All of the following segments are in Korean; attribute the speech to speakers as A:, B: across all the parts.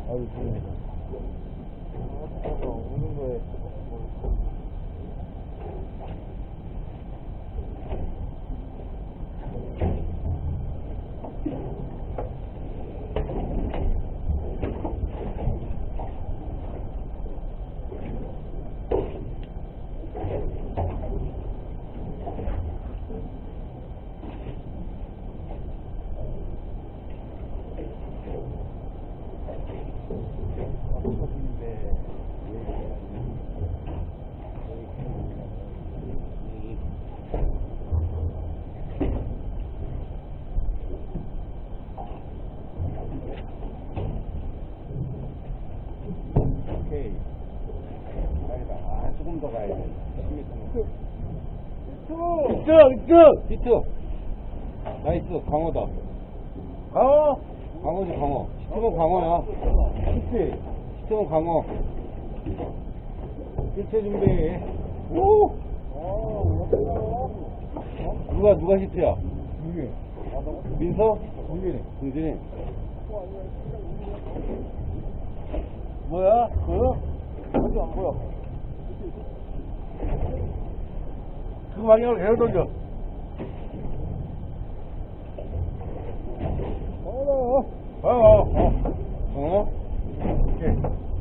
A: 아유, 좋습니다. 오는 거에. 오케이. 조금 더 가야 돼. 10m.
B: 이쪽! 히트! 나이스, 광어다.
A: 강어!
B: 광어지, 광어. 히트면 광어야.
A: 히트!
B: 히트면 광어. 히트 준비. 오! 누가 히트야?
A: 이게.
B: 민서?
A: 이게.
B: 동진이.
A: 뭐야? 보여? 아직 안 보여. 그 방향으로 계속 던져.
B: 어?
A: 오케이.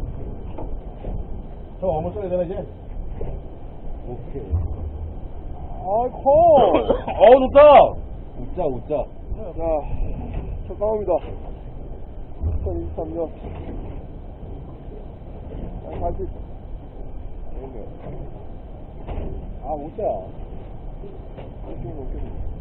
A: 저 어머 써야 되나, 이제?
B: 오케이.
A: 아이, 커!
B: 좋다! 웃자.
A: 자, 첫 강호입니다. 2023년. 갈수 있어. 아, 웃자. 오케이.